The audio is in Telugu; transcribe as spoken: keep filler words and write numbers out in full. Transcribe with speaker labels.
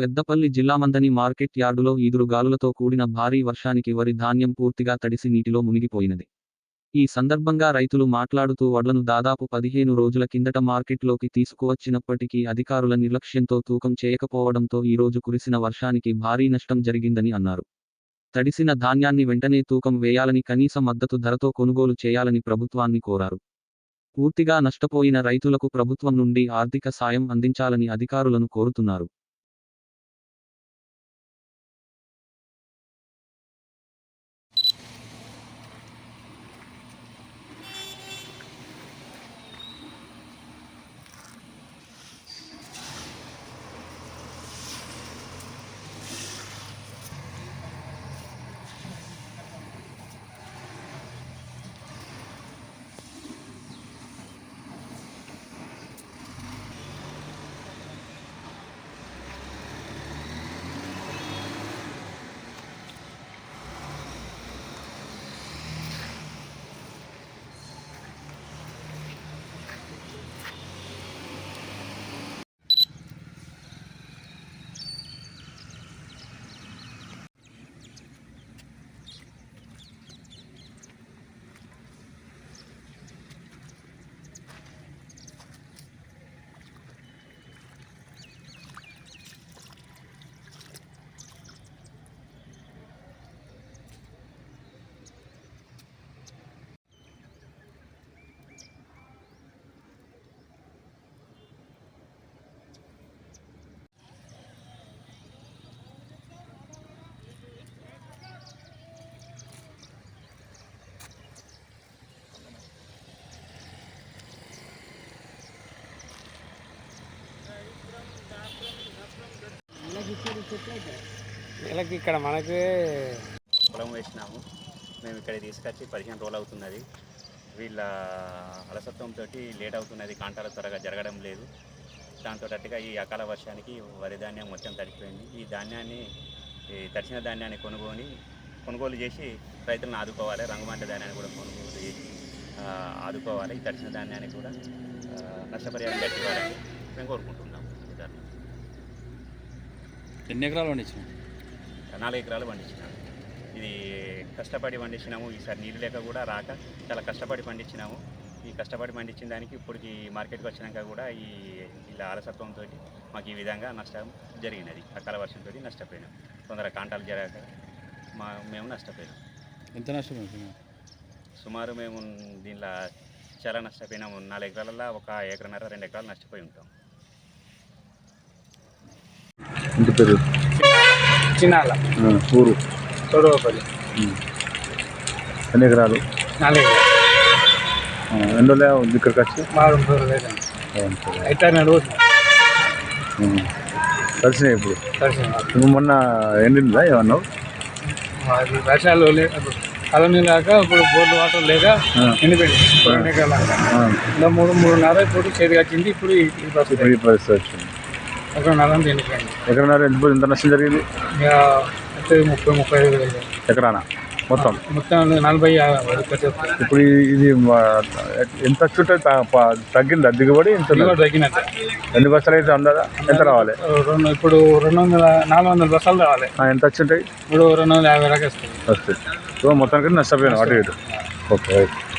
Speaker 1: పెద్దపల్లి జిల్లా మందని మార్కెట్ యార్డులో ఈదురుగాలులతో కూడిన భారీ వర్షానికి వరి ధాన్యం పూర్తిగా తడిసి నీటిలో మునిగిపోయినది. ఈ సందర్భంగా రైతులు మాట్లాడుతూ వడ్లను దాదాపు పదిహేను రోజుల కిందట మార్కెట్లోకి తీసుకువచ్చినప్పటికీ అధికారుల నిర్లక్ష్యంతో తూకం చేయకపోవడంతో ఈరోజు కురిసిన వర్షానికి భారీ నష్టం జరిగిందని అన్నారు. తడిసిన ధాన్యాన్ని వెంటనే తూకం వేయాలని, కనీస మద్దతు ధరతో కొనుగోలు చేయాలని ప్రభుత్వాన్ని కోరారు. పూర్తిగా నష్టపోయిన రైతులకు ప్రభుత్వం నుండి ఆర్థిక సాయం అందించాలని అధికారులను కోరుతున్నారు.
Speaker 2: నెలకి ఇక్కడ మనకి
Speaker 3: పొలం వేసినాము. మేము ఇక్కడ తీసుకొచ్చి పదిహేను రోజులు అవుతున్నది. వీళ్ళ అలసత్వంతో లేట్ అవుతున్నది, కాంటాలు త్వరగా జరగడం లేదు. దాంతో అట్టుగా ఈ అకాల వర్షానికి వరి ధాన్యం మొత్తం తడిపోయింది. ఈ ధాన్యాన్ని ఈ తడిసిన ధాన్యాన్ని కొనుగోని కొనుగోలు చేసి రైతులను ఆదుకోవాలి. రంగుమంట ధాన్యాన్ని కూడా కొనుగోలు చేసి ఆదుకోవాలి. ఈ తడిసిన ధాన్యాన్ని కూడా నష్టపరిహారం కట్టివ్వాలని మేము కోరుకుంటున్నాము.
Speaker 2: ఎన్ని ఎకరాలు పండించినాం?
Speaker 3: నాలుగు ఎకరాలు పండించినాము. ఇది కష్టపడి పండించినాము. ఈసారి నీళ్ళు లేక కూడా రాక చాలా కష్టపడి పండించినాము. ఈ కష్టపడి పండించిన దానికి ఇప్పటికి మార్కెట్కి వచ్చినాక కూడా ఈ ఇలా అలసత్వంతో మాకు ఈ విధంగా నష్టం జరిగినది. అకాల వర్షంతో నష్టపోయినాం. తొందరగా కాంటాలు జరగక మా మేము నష్టపోయినాం.
Speaker 2: ఎంత నష్టపోయినాం?
Speaker 3: సుమారు మేము దీనిలో చాలా నష్టపోయినాము. నాలుగు ఎకరాలలో ఒక ఎకరన్నర రెండు ఎకరాలు నష్టపోయి ఉంటాం.
Speaker 4: ఇంటి పేరు
Speaker 2: చిన్నాల
Speaker 4: ఊరు
Speaker 2: తొడవపల్లి.
Speaker 4: ఎన్ని ఎకరాలు?
Speaker 2: నాలుగు ఎకరాలు.
Speaker 4: ఎన్ని రోజులు ఇక్కడికి వచ్చి?
Speaker 2: అయితే రోజు
Speaker 4: కలిసినాయి. ఇప్పుడు నువ్వు మొన్న ఎండిందా ఏమన్నావు?
Speaker 2: వర్షాలు కలనీ లేక ఇప్పుడు బోర్డు వాటర్ లేక ఎండిపోయింది. రెండు ఎకరాలు మూడు మూడున్నర ఇప్పుడు చేతికి వచ్చింది. ఇప్పుడు ఈ
Speaker 4: పరిస్థితి వచ్చింది.
Speaker 2: ఎకరన్నర ఎండిపోయింది.
Speaker 4: ఎకరన్నర ఎంత ఎంత నష్టం జరిగింది?
Speaker 2: ముప్పై ముప్పై ఐదు వేలు
Speaker 4: ఎకరానా మొత్తం
Speaker 2: మొత్తం నలభై.
Speaker 4: ఇప్పుడు ఇది ఎంత చుట్టూ తగ్గిందా దిగుబడి? ఎంత
Speaker 2: తగ్గినట్టు.
Speaker 4: ఎన్ని బస్తాలు అయితే అందదా? ఎంత రావాలి?
Speaker 2: రెండు ఇప్పుడు రెండు వందల నాలుగు వందల బస్తాలు రావాలి.
Speaker 4: ఎంత వచ్చి ఉంటాయి?
Speaker 2: ఇప్పుడు రెండు వందల యాభై దాకా వస్తుంది.
Speaker 4: వస్తుంది. సో మొత్తానికి నష్టపోయాను అటు ఇటు. ఓకే.